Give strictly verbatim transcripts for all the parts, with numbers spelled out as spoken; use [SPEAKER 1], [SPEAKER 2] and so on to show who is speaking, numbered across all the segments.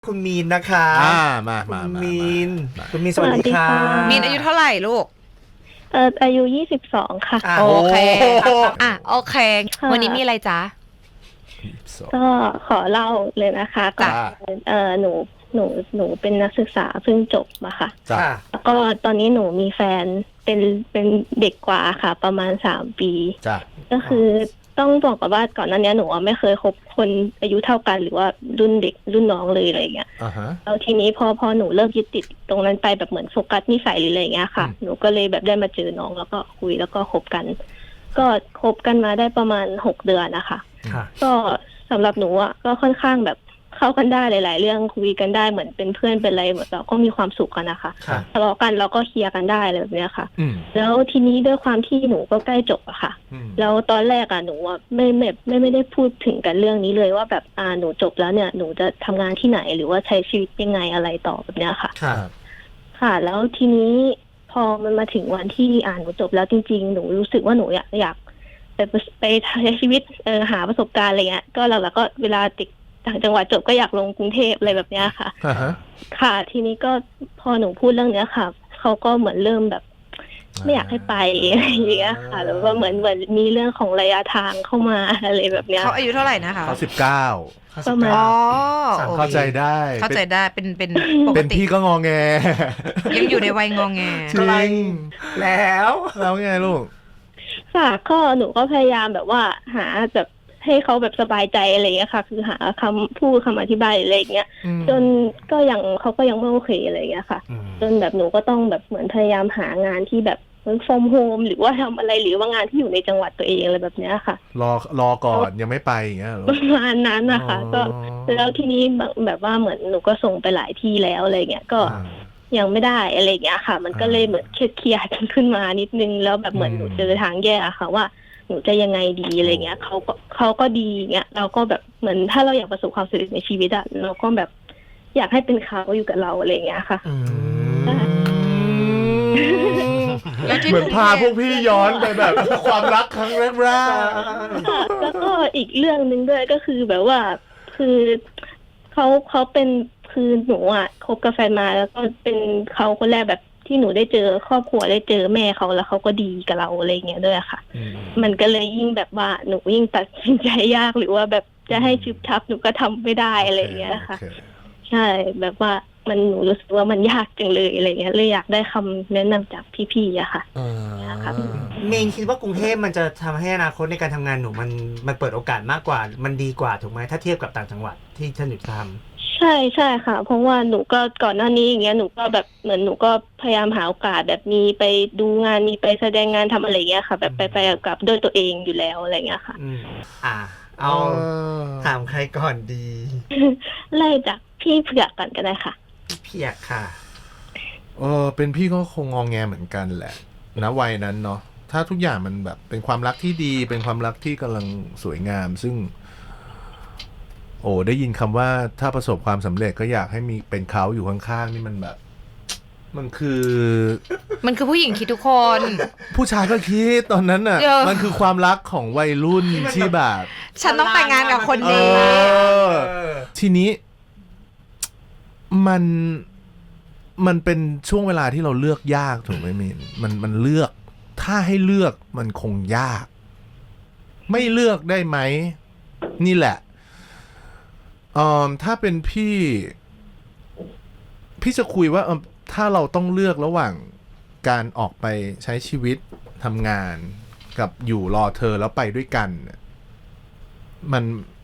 [SPEAKER 1] คุณมีนนะคะ
[SPEAKER 2] อ่ามามา
[SPEAKER 1] คุณ
[SPEAKER 2] มา
[SPEAKER 1] มีน
[SPEAKER 2] มา
[SPEAKER 1] คุณมีนสวัสดีค่ะ
[SPEAKER 3] มีนอายุเท่าไหร่ลูก
[SPEAKER 4] เอออายุยี่สิบสองค่ะ
[SPEAKER 1] อ่ะ
[SPEAKER 3] โอเค
[SPEAKER 1] โอ้
[SPEAKER 3] อ่ะโอเค
[SPEAKER 4] ค่ะ
[SPEAKER 3] วันนี้มีอะไรจ๊ะ
[SPEAKER 4] ก็ขอเล่าเลยนะคะก็
[SPEAKER 2] จ้า
[SPEAKER 4] เออหนูหนูหนูเป็นนักศึกษาเพิ่งจบมาค่ะ
[SPEAKER 2] จ้า
[SPEAKER 1] ค่ะ
[SPEAKER 4] แล้วก็ตอนนี้หนูมีแฟนเป็นเป็นเด็กกว่าค่ะ ประมาณสามปี
[SPEAKER 2] จ้า
[SPEAKER 4] ก็คือต้องบอกก่อนว่าก่อนหน้านี้หนูไม่เคยคบคนอายุเท่ากันหรือว่ารุ่นเด็กรุ่นน้องเลยอะไรอย่างเงี้ย
[SPEAKER 2] อ่าฮะ
[SPEAKER 4] แล้วทีนี้พอพอหนูเลิกยึดติดตรงนั้นไปแบบเหมือนโฟกัสนิสัยหรืออะไรอย่างเงี้ยค่ะ
[SPEAKER 2] อืม
[SPEAKER 4] หนูก็เลยแบบได้มาเจอน้องแล้วก็คุยแล้วก็คบกัน ก็คบกันมาได้ประมาณหกเดือนนะคะ
[SPEAKER 1] ค่ะ
[SPEAKER 4] ก็สำหรับหนูอ่ะก็ค่อนข้างแบบเข้ากันได้หลาย ๆ เรื่องคุยกันได้เหมือนเป็นเพื่อนเป็นอะไรเหมือนเราก็มีความสุขกันนะคะ
[SPEAKER 1] ค่ะ
[SPEAKER 4] ทะเลาะกันเราก็เคลียร์กันได้อะไรแบบเนี้ยค่ะ
[SPEAKER 2] อืม
[SPEAKER 4] แล้วทีนี้ด้วยความที่หนูก็ใกล้จบอะค่ะ
[SPEAKER 2] อืม
[SPEAKER 4] แล้วตอนแรกอะหนูอะไม่ไม่ไม่ไม่ได้พูดถึงกันเรื่องนี้เลยว่าแบบอ่าหนูจบแล้วเนี่ยหนูจะทำงานที่ไหนหรือว่าใช้ชีวิตยังไงอะไรต่อแบบเนี้ยค่ะ
[SPEAKER 1] ค่ะ
[SPEAKER 4] ค่ะ แล้วทีนี้พอมันมาถึงวันที่อ่านหนูจบแล้วจริง ๆ หนูรู้สึกว่าหนูอยากอยากไปไปใช้ชีวิตเออหาประสบการณ์อะไรเงี้ยก็หลักๆก็เวลาติดต่างจังหวัดจบก็อยากลงกรุงเทพอะไรแบบเนี้ยค่ะ
[SPEAKER 2] อ่าฮะ
[SPEAKER 4] ค่ะ ทีนี้ก็พอหนูพูดเรื่องเนี้ยค่ะเขาก็เหมือนเริ่มแบบ ไม่อยากให้ไปอะไรอย่างเงี้ยค่ะแล้วก็เหมือนเหมือนมีเรื่องของระยะทางเข้ามาอะไรแบบเนี้ย
[SPEAKER 3] เขาอายุเท่าไหร่นะคะ
[SPEAKER 2] เขาสิบเก้า
[SPEAKER 4] ประมาณ
[SPEAKER 3] อ๋อ
[SPEAKER 1] สาม
[SPEAKER 3] โอค
[SPEAKER 2] เข้าใจได้
[SPEAKER 3] เข้าใจได้เป็นเป็นปก
[SPEAKER 2] เป็น
[SPEAKER 3] ติ
[SPEAKER 2] พี่ก็งอแง
[SPEAKER 3] ยังอยู่ในวัยงองแง
[SPEAKER 2] จริง
[SPEAKER 1] แล้ว
[SPEAKER 2] แล้วไงลูก
[SPEAKER 4] ค่ะก็หนูก็พยายามแบบว่าหาแบบให้เขาแบบสบายใจอะไรอย่างเงี้ยค่ะ คือหาคำพูดคำอธิบายอะไรอย่างเงี้ย
[SPEAKER 2] อืม
[SPEAKER 4] จนก็ยังเขาก็ยังไม่โอเคอะไรอย่างเงี้ยค่ะ
[SPEAKER 1] อืม
[SPEAKER 4] จนแบบหนูก็ต้องแบบเหมือนพยายามหางานที่แบบ work from home หรือว่าทำอะไรหรือว่างานที่อยู่ในจังหวัดตัวเองอะไรแบบเนี้ยค่ะ
[SPEAKER 2] รอรอก่อนยังไม่ไปอย่างเงี้ยเหรอ
[SPEAKER 4] ประมาณนั้นนะคะ ก็
[SPEAKER 2] อ๋อ
[SPEAKER 4] แล้วทีนี้แบบแบบว่าเหมือนหนูก็ส่งไปหลายที่แล้วอะไรเงี้ยก็
[SPEAKER 2] อ่า
[SPEAKER 4] ยังไม่ได้อะไรเงี้ยค่ะ มันก็เลย
[SPEAKER 2] อ่า
[SPEAKER 4] เหมือนเครียดๆขึ้นมานิดนึงแล้วแบบเหมือน
[SPEAKER 2] อืม
[SPEAKER 4] หนูเจอทางแยกอะค่ะว่าหนูจะยังไงดีอะไรเงี้ยเขาก็เขาก็ดีเงี้ยเราก็แบบเหมือนถ้าเราอยากประสบความสำเร็จในชีวิตอะเราก็แบบอยากให้เป็นเขาอยู่กับเราอะไรเงี้ยค่ะ
[SPEAKER 1] อืม
[SPEAKER 3] แล้วที่
[SPEAKER 2] เหมือนพาพวกพี่ย้อนไปแบบ ความรักครั้งแรก
[SPEAKER 4] ค่ะแล้วก็อีกเรื่องหนึ่งด้วยก็คือแบบว่าคือเขาเขาเป็นคือหนูอ่ะคบกับแฟนมาแล้วก็เป็นเขาคนแรกแบบที่หนูได้เจอครอบครัวได้เจอแม่เขาแล้วเขาก็ดีกับเราอะไรเงี้ยด้วยค่ะ
[SPEAKER 2] ๆอืม
[SPEAKER 4] มันก็เลยยิ่งแบบว่าหนูยิ่งตัดสินใจยากหรือว่าแบบจะให้ชุบชับหนูก็ทำไม่ได้อะไรเงี้ยค่ะ
[SPEAKER 2] โอเค
[SPEAKER 4] ใช่แบบว่ามันหนูรู้สึกว่ามันยากจังเลยอะไรเงี้ยเลยอยากได้คำแนะนำจากพี่ๆอะค่ะ
[SPEAKER 2] อ่า
[SPEAKER 4] ครับ
[SPEAKER 1] มีนคิดว่ากรุงเทพมันจะทำให้อนาคตในการทำงานหนูมันมันเปิดโอกาสมากกว่ามันดีกว่าถูกไหมถ้าเทียบกับต่างจังหวัดที่ท่านหนูท
[SPEAKER 4] ใช่ใช่ค่ะ เพราะว่าหนูก็ก่อนหน้านี้อย่างเงี้ยหนูก็แบบเหมือนหนูก็พยายามหาโอกาสแบบมีไปดูงานมีไปแสดงงานทำอะไรเงี้ยค่ะ แบบไปไปกับด้วยตัวเองอยู่แล้วอะไรเงี้ยค่ะ
[SPEAKER 1] ำอืมอ่า เอาถามใครก่อนดี
[SPEAKER 4] ไล่จากพี่เผือกก่อนก็ได้ค่ะ
[SPEAKER 1] พี่เพียกค่ะ
[SPEAKER 2] เออเป็นพี่ก็คงงอแงเหมือนกันแหละณวัยนั้นเนาะถ้าทุกอย่างมันแบบเป็นความรักที่ดี เป็นความรักที่กำลังสวยงาม ซึ่ง โอ้ได้ยินคำว่าถ้าประสบความสำเร็จก็อยากให้มีเป็นเขาอยู่ข้างๆนี่มันแบบ มันคือ
[SPEAKER 3] มันคือผู้หญิงคิดทุกคน
[SPEAKER 2] ผู้ชายก็คิดตอนนั้นน่ะ
[SPEAKER 3] เดี๋ยว
[SPEAKER 2] มันคือความรักของวัยรุ่น
[SPEAKER 1] ที่มัน
[SPEAKER 2] ที่แบบ
[SPEAKER 3] ฉันต้องแต่งงานกับคนนี้
[SPEAKER 2] เออ
[SPEAKER 1] เออ
[SPEAKER 2] ทีนี้มันมันเป็นช่วงเวลาที่เราเลือกยากถูกไหมมินมันมันเลือก ถ้าให้เลือกมันคงยาก ไม่เลือกได้ไหมนี่แหละเอ่อถ้าเป็นพี่ พี่จะคุยว่าเอิ่มถ้าเราต้องเลือกระหว่างการออกไปใช้ชีวิตทำงานกับอยู่รอเธอแล้วไปด้วยกันเนี่ยมัน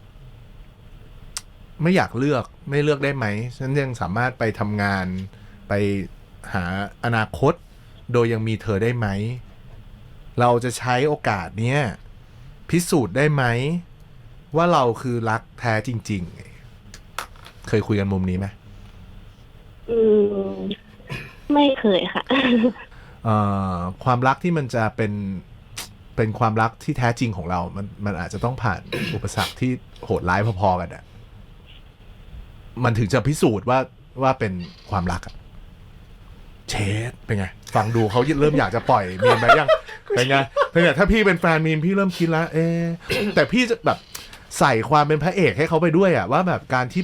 [SPEAKER 2] ไม่อยากเลือกไม่เลือกได้ไหมฉันยังสามารถไปทำงานไปหาอนาคต โดยยังมีเธอได้ไหม เราจะใช้โอกาสเนี้ยพิสูจน์ได้ไหม ว่าเราคือรักแท้จริงๆ เคยคุยกันมุมนี้ไหม
[SPEAKER 4] อืมไม่เคยค่ะ
[SPEAKER 2] เอ่อความรักที่มันจะเป็นเป็นความรักที่แท้จริงของเรา มันมันอาจจะต้องผ่าน อุปสรรคที่โหดร้ายพอๆกันอะมันถึงจะพิสูจน์ว่าว่าเป็นความรักอะเชดเป็นไง ฟังดูเขาเริ่มอยากจะปล่อยมีนไปยังเป็นไงเป็นไงถ้าพี่เป็นแฟนมีนพี่เริ่มคิดแล้ว เอ๊ะแต่พี่จะแบบใส่ความเป็นพระเอกให้เขาไปด้วยอะว่าแบบการที่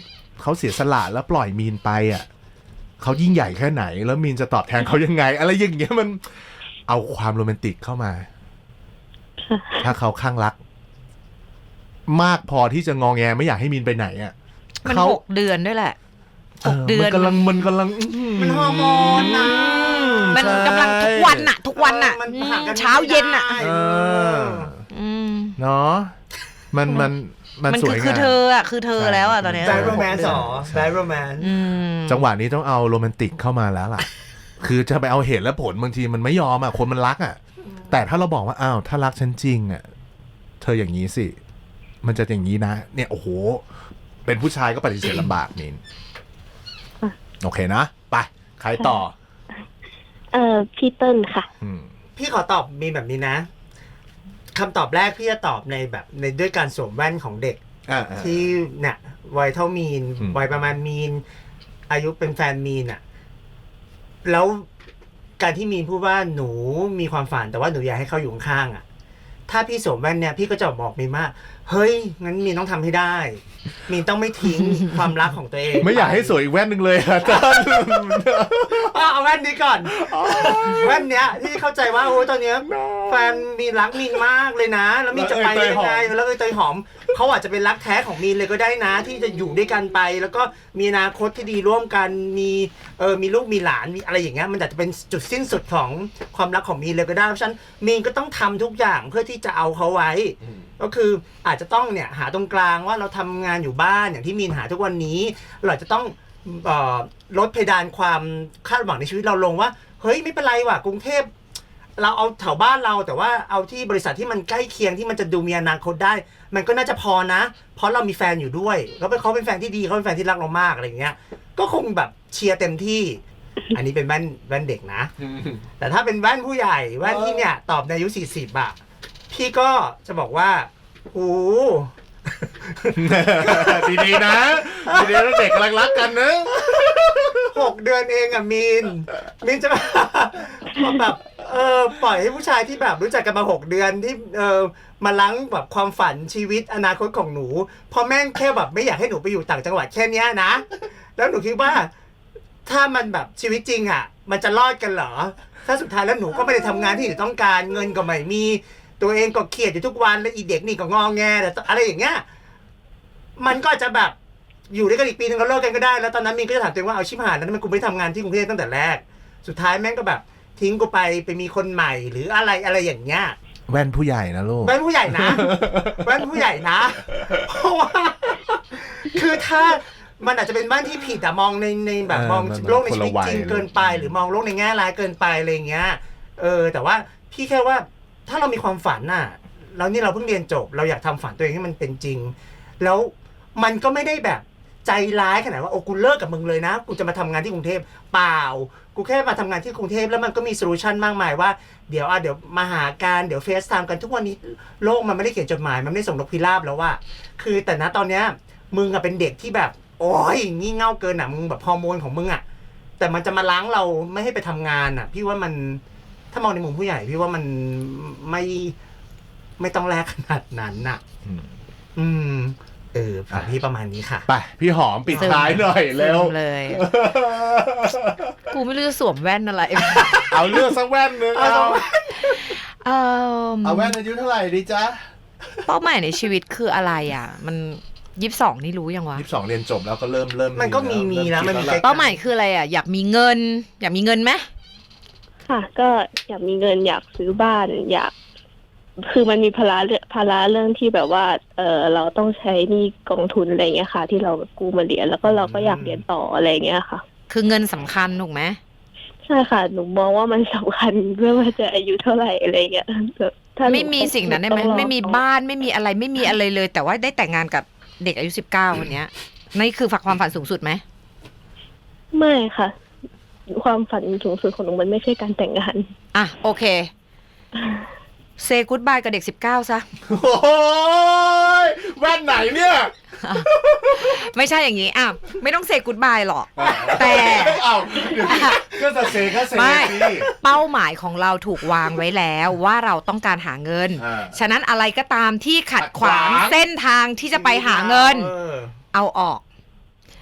[SPEAKER 2] เขาเสียสละแล้วปล่อยมีนไปอ่ะเขายิ่งใหญ่แค่ไหน แล้วมีนจะตอบแทนเขายังไง อะไรอย่างเงี้ยมันเอาความโรแมนติกเข้ามา ถ้าเขาข้างรัก มากพอที่จะงอแงไม่อยากให้มีนไปไหนอ่ะ
[SPEAKER 3] มัน
[SPEAKER 2] เขา
[SPEAKER 3] หกเดือนด้วยแหละ
[SPEAKER 2] เอ
[SPEAKER 3] หก
[SPEAKER 2] อ
[SPEAKER 3] เดือน
[SPEAKER 2] มันกำลังมันกำลัง
[SPEAKER 1] มันฮอร์โมนนะ
[SPEAKER 3] มัน
[SPEAKER 2] ใช่
[SPEAKER 3] กำลังทุกวันน่ะ ทุกวันน่ะ
[SPEAKER 1] เออมัน
[SPEAKER 3] อืม
[SPEAKER 1] ห่างกัน
[SPEAKER 3] เช้าเย็นน่ะ
[SPEAKER 1] ไม่ได้
[SPEAKER 2] เออ
[SPEAKER 3] อืม
[SPEAKER 2] เนาะมันมันมัน
[SPEAKER 3] มัน
[SPEAKER 2] ส
[SPEAKER 3] คื
[SPEAKER 2] ว
[SPEAKER 3] อย
[SPEAKER 2] งาม
[SPEAKER 3] คือเธออ่ะคือเธอแล้วอ่ะตอนเนี้ย
[SPEAKER 1] แบดโรแมนส์หรอแบดโรแมนส์
[SPEAKER 3] อืม
[SPEAKER 2] จังหวะนี้ต้องเอาโรแมนติกเข้ามาแล้วล่ะ คือจะไปเอาเหตุและผลบางทีมันไม่ยอมอ่ะคนมันรักอ่ะ แต่ถ้าเราบอกว่าอ้าวถ้ารักฉันจริงอ่ะเธออย่างนี้สิ มันจะอย่างนี้นะ เนี่ยโอ้โห เป็นผู้ชายก็ปฏิเสธลำบากมินโอเคนะไปใครต่อ
[SPEAKER 4] เอ่อพี่เติ้ลค่ะ
[SPEAKER 2] อืม
[SPEAKER 1] พี่ขอตอบมีแบบนี้นะคำตอบแรกพี่จะตอบในแบบในด้วยการสวมแว่นของเด็ก
[SPEAKER 2] อ่า
[SPEAKER 1] ที่เนี่ยวัยเท่ามีน
[SPEAKER 2] อืม
[SPEAKER 1] วัยประมาณมีน อายุเป็นแฟนมีนอะแล้วการที่มีนพูดว่าหนูมีความฝันแต่ว่าหนูอยากให้เขาอยู่ข้างๆอะถ้าพี่สวมแว่นเนี่ยพี่ก็จะบอกมีนว่าเฮ้ยงั้นมีนต้องทำให้ได้ มีนต้องไม่ทิ้ง ความรักของตัวเอง
[SPEAKER 2] ไม่อยากให้สวยอีกแว่นหนึ่งเลยอะต้น
[SPEAKER 1] เอาเอาแว่นนี้ก่อน แว่นเนี้ยที่เข้าใจว่าโอ้ยตอนเนี้ยแฟนมีนรักมีนมากเลยนะ แล้วมีนจะไปได้ยังไงแล้วเอยเตยหอมเขาอาจจะเป็นรักแท้ของมีนเลยก็ได้นะ ที่จะอยู่ด้วยกันไป แล้วก็มีอนาคตที่ดีร่วมกันมีเออมีลูกมีหลานมีอะไรอย่างเงี้ยมันอาจจะเป็นจุดสิ้นสุดของความรักของมีนเลยก็ได้เพราะฉะนั้นมีนก็ต้องทำทุกอย่างเพื่อที่จะเอาเขาไว้ ก็คืออาจจะต้องเนี่ยหาตรงกลางว่าเราทำงานอยู่บ้านอย่างที่มีนหาทุกวันนี้เราอาจจะต้องเอ่อลดเพดานความคาดหวังในชีวิตเราลงว่าเฮ้ยไม่เป็นไรว่ะกรุงเทพเราเอาแถวบ้านเราแต่ว่าเอาที่บริษัทที่มันใกล้เคียงที่มันจะดูมีอนาคตได้ มันก็น่าจะพอนะ เพราะเรามีแฟนอยู่ด้วยแล้วเขาเป็นแฟนที่ดีเขาเป็นแฟนที่รักเรามากอะไรอย่างเงี้ยก็คงแบบเชียร์เต็มที่ อันนี้เป็นแว่นแว่นเด็กนะ แต่ถ้าเป็นแว่นผู้ใหญ่แว่นที่เนี่ยตอบในอายุสี่สิบอะพี่ก็จะบอกว่าโอ้
[SPEAKER 2] ดีๆนะดีๆนะเด็กกำลังรักกันนะ
[SPEAKER 1] หกเดือนเองอะมีนมีนจะแบบแบบเออปล่อยให้ผู้ชายที่แบบรู้จักกันมาหกเดือนที่เออมาล้างแบบความฝันชีวิตอนาคตของหนูพอแม่งแค่แบบไม่อยากให้หนูไปอยู่ต่างจังหวัดแค่เนี้ยนะแล้วหนูคิดว่าถ้ามันแบบชีวิตจริงอะมันจะรอดกันเหรอถ้าสุดท้ายแล้วหนูก็ไม่ได้ทำงานที่หนูต้องการเงินก็ไม่มีตัวเองก็เครียดอยู่ทุกวันแล้วอีเด็กนี่ก็งอแงแต่อะไรอย่างเงี้ยมันก็จะแบบอยู่ด้วยกันอีกปีนึงก็เลิกกันก็ได้แล้วตอนนั้นมีนก็จะถามตัวเองว่าเอาชิบหายแล้วมันกูไม่ได้ทำงานที่กรุงเทพตั้งแต่แรกสุดท้ายแม่งก็แบบทิ้งกูไปไปมีคนใหม่หรืออะไรอะไรอย่างเงี้ย
[SPEAKER 2] แว่นผู้ใหญ่นะลูก
[SPEAKER 1] แว่นผู้ใหญ่นะแว่นผู้ใหญ่นะเพราะว่าคือถ้ามันอาจจะเป็นบ้านที่ผิดอะมองในในแบบ
[SPEAKER 2] เออ
[SPEAKER 1] มอง
[SPEAKER 2] มัน
[SPEAKER 1] โลกในชีวิต
[SPEAKER 2] คนละวัย
[SPEAKER 1] จริงเกินไป หรือมองโลกในแง่ร้ายเกินไปอะไรอย่างเงี้ยเออแต่ว่าพี่แค่ว่าถ้าเรามีความฝันน่ะแล้วนี่เราเพิ่งเรียนจบเราอยากทำฝันตัวเองให้มันเป็นจริง แล้วมันก็ไม่ได้แบบใจร้ายขนาดว่าโอ้กูเลิกกับมึงเลยนะกูจะมาทำงานที่กรุงเทพเปล่ากูแค่มาทำงานที่กรุงเทพแล้วมันก็มีโซลูชันมากมายว่าเดี๋ยวอ่ะเดี๋ยวมาหาการเดี๋ยวเฟซไทม์กันทุกวันนี้โลกมันไม่ได้เขียนจดหมายมันไม่ได้ส่งนกพิราบแล้วว่าคือแต่ณตอนเนี้ยมึงอะเป็นเด็กที่แบบโอ้ยงี่เง่าเกินอ่ะมึงแบบฮอร์โมนของมึงอ่ะแต่มันจะมาล้างเราไม่ให้ไปทำงานอ่ะพี่ว่ามันถ้ามองในมุมผู้ใหญ่พี่ว่ามันไม่ไม่ต้องแลกขนาดนั้นน่ะ
[SPEAKER 2] อืม
[SPEAKER 1] อืมเออฝั่งพี่ประมาณนี้ค่ะ
[SPEAKER 2] ไปพี่หอมปิดท้ายหน่อยเร็ว
[SPEAKER 3] ซึมเลย กูไม่รู้จะสวมแว่นอะไร
[SPEAKER 2] เอาเลือกสักแว่นหนึงเอา
[SPEAKER 3] เออ
[SPEAKER 2] เอาแว่นอายุเท่าไหร่ดีจ๊ะ
[SPEAKER 3] เป้าหมายในชีวิตคืออะไรอ่ะ มันยี่สิบสองนี่รู้ยังวะ
[SPEAKER 2] ยี่สิบสองเรียนจบแล้วก็เริ่มเริ่ม
[SPEAKER 1] มันก็มีมีแล้วมันมี
[SPEAKER 2] คิด
[SPEAKER 3] เป้าหมายคืออะไรอ่ะ อยากมีเงิน อยากมีเงินไหม
[SPEAKER 4] ค่ะ ก็อยากมีเงินอยากซื้อบ้านอยาก คือมันมีภาระเรื่องภาระเรื่องที่แบบว่า เออเราต้องใช้หนี้กองทุนอะไรเงี้ยค่ะ ที่เรากู้มาเรียนแล้วก็เราก็อยากเรียนต่ออะไรเงี้ยค่ะ
[SPEAKER 3] คือเงินสำคัญถูกไหม
[SPEAKER 4] ใช่ค่ะ หนูมองว่ามันสำคัญไม่ว่าจะอายุเท่าไหร่อะไรเงี้ยถ้าหนู
[SPEAKER 3] ไม่มีสิ่งนั้นได้ไหม
[SPEAKER 4] ต้องรอ
[SPEAKER 3] ไม่มีบ้านไม่มีอะไรไม่มีอะไรเลย แต่ว่าได้แต่งงานกับเด็กอายุสิบเก้าคนเนี้ยนี่คือฝักความฝันสูงสุดไหม
[SPEAKER 4] ไม่ค่ะ ความฝันสูงสุดของหนูมันไม่ใช่การแต่งงาน
[SPEAKER 3] อ่ะโอเคเซกูดบายกับเด็กสิบเก้าซะ
[SPEAKER 2] โอ้ยแว่นไหนเนี่ย
[SPEAKER 3] ไม่ใช่อย่างนี้อ่ะไม่ต้องเซกูดบายหรอก แต่
[SPEAKER 2] เอาเดี๋ยวก็จะเซก็เซ
[SPEAKER 3] ไม่
[SPEAKER 2] สิ
[SPEAKER 3] เป้าหมายของเราถูกวางไว้แล้วว่าเราต้องการหาเงิน
[SPEAKER 2] อ่า
[SPEAKER 3] ฉะนั้นอะไรก็ตามที่ขัดขวาง
[SPEAKER 2] ขัดขวาง
[SPEAKER 3] เส้นทางที่จะไปหาเงิน
[SPEAKER 1] เออ
[SPEAKER 3] เอาออก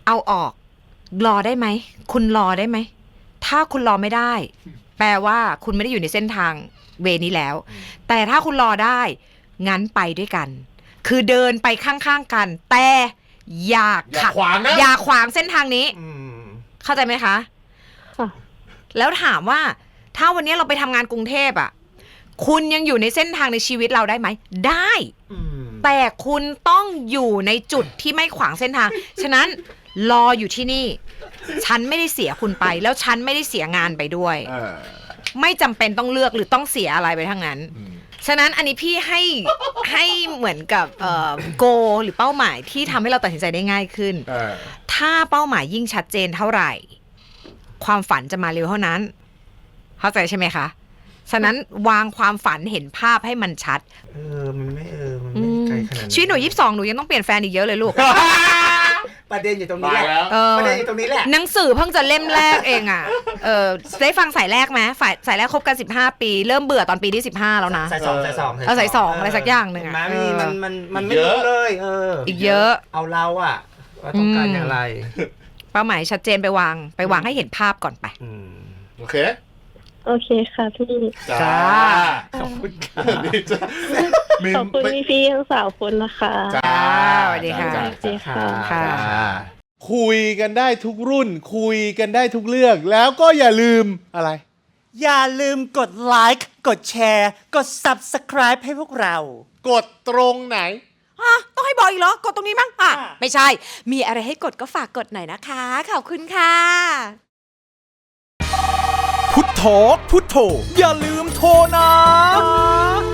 [SPEAKER 3] เอาออกรอได้ไหมคุณรอได้ไหมถ้าคุณรอไม่ได้ แปลว่าคุณไม่ได้อยู่ในเส้นทางเวนี้แล้ว แต่ถ้าคุณรอได้งั้นไปด้วยกัน คือเดินไปข้างๆกัน แต่อย่า
[SPEAKER 2] อย่าขวางนะ
[SPEAKER 3] อย่าขวางเส้นทางนี้
[SPEAKER 1] อืม
[SPEAKER 3] เข้าใจไหมคะ
[SPEAKER 4] ค่ะ
[SPEAKER 3] แล้วถามว่าถ้าวันนี้เราไปทำงานกรุงเทพอ่ะคุณยังอยู่ในเส้นทางในชีวิตเราได้ไหมได้
[SPEAKER 1] อืม
[SPEAKER 3] แต่คุณต้องอยู่ในจุดที่ไม่ขวางเส้นทาง ฉะนั้นรออยู่ที่นี่ ฉันไม่ได้เสียคุณไป แล้วฉันไม่ได้เสียงานไปด้วย
[SPEAKER 2] เออ
[SPEAKER 3] ไม่จำเป็นต้องเลือกหรือต้องเสียอะไรไปทั้งนั้น
[SPEAKER 2] อืม
[SPEAKER 3] ฉะนั้นอันนี้พี่ให้ ให้เหมือนกับเอ่อโกหรือเป้าหมายที่ทำให้เราตัดสินใจได้ง่ายขึ้น
[SPEAKER 2] เออ
[SPEAKER 3] ถ้าเป้าหมายยิ่งชัดเจนเท่าไหร่ ความฝันจะมาเร็วเท่านั้น เข้าใจใช่ไหมคะ ฉะนั้นวางความฝันเห็นภาพให้มันชัด
[SPEAKER 1] เออมันไม่เออมันไม่ไกลขนาดนั้น
[SPEAKER 3] ชีวิตหนูยี่สิบสองหนูยังต้องเปลี่ยนแฟนอีกเยอะเลยลูก
[SPEAKER 1] ประเด็นอยู่ตรงนี้แหละ
[SPEAKER 2] ตายแล้ว
[SPEAKER 3] เออ
[SPEAKER 1] ประเด็นอยู่ตรงนี้แหละ
[SPEAKER 3] หนังสือเพิ่งจะเล่มแรกเองอ่ะ เออได้ฟังสายแรกไหมฝ่ายสายแรกคบกันสิบห้าปี เริ่มเบื่อตอนปีที่สิบห้าแล้วนะ
[SPEAKER 1] สายสองสายสอง
[SPEAKER 3] เอาสายสองอะไรสักอย่างหนึ่งอะ
[SPEAKER 1] เห็นไหม
[SPEAKER 3] เออ
[SPEAKER 1] มันมันมันไม่
[SPEAKER 2] เยอะ
[SPEAKER 1] รู้เลย เออ
[SPEAKER 3] อี
[SPEAKER 1] อี
[SPEAKER 3] กเยอะ
[SPEAKER 1] เอาเราอะว่าต้องการ
[SPEAKER 3] อืม
[SPEAKER 1] อย่างไร
[SPEAKER 3] เป้าหมายชัดเจนไปวาง ไปวางให้เห็นภาพก่อนไป
[SPEAKER 1] อืม
[SPEAKER 2] โอเค
[SPEAKER 4] โอเคค่ะพี่
[SPEAKER 3] จ้า
[SPEAKER 1] ขอบคุณค่ะ
[SPEAKER 2] นี่จ้ามิน
[SPEAKER 4] ขอบคุณ
[SPEAKER 2] ไม่
[SPEAKER 4] พี่พี่ทั้งสามคนนะคะ
[SPEAKER 2] จ้า
[SPEAKER 3] สวัสดีค่ะ
[SPEAKER 2] จ้า
[SPEAKER 4] สวัสดีค่ะ
[SPEAKER 3] ค่ะ
[SPEAKER 2] จ้าคุยกันได้ทุกรุ่น คุยกันได้ทุกเรื่อง แล้วก็อย่าลืมอะไร
[SPEAKER 5] อย่าลืมกดไลค์กดแชร์ กด Subscribe ให้พวกเรา
[SPEAKER 2] กดตรงไหน
[SPEAKER 3] อ่ะต้องให้บอกอีกเหรอ กดตรงนี้มั้งอ่ะ
[SPEAKER 5] อ่ะ
[SPEAKER 3] ไม่ใช่ มีอะไรให้กดก็ฝากกดหน่อยนะคะ ขอบคุณค่ะ
[SPEAKER 5] พุทโธพุทโธอย่าลืมโทรนะ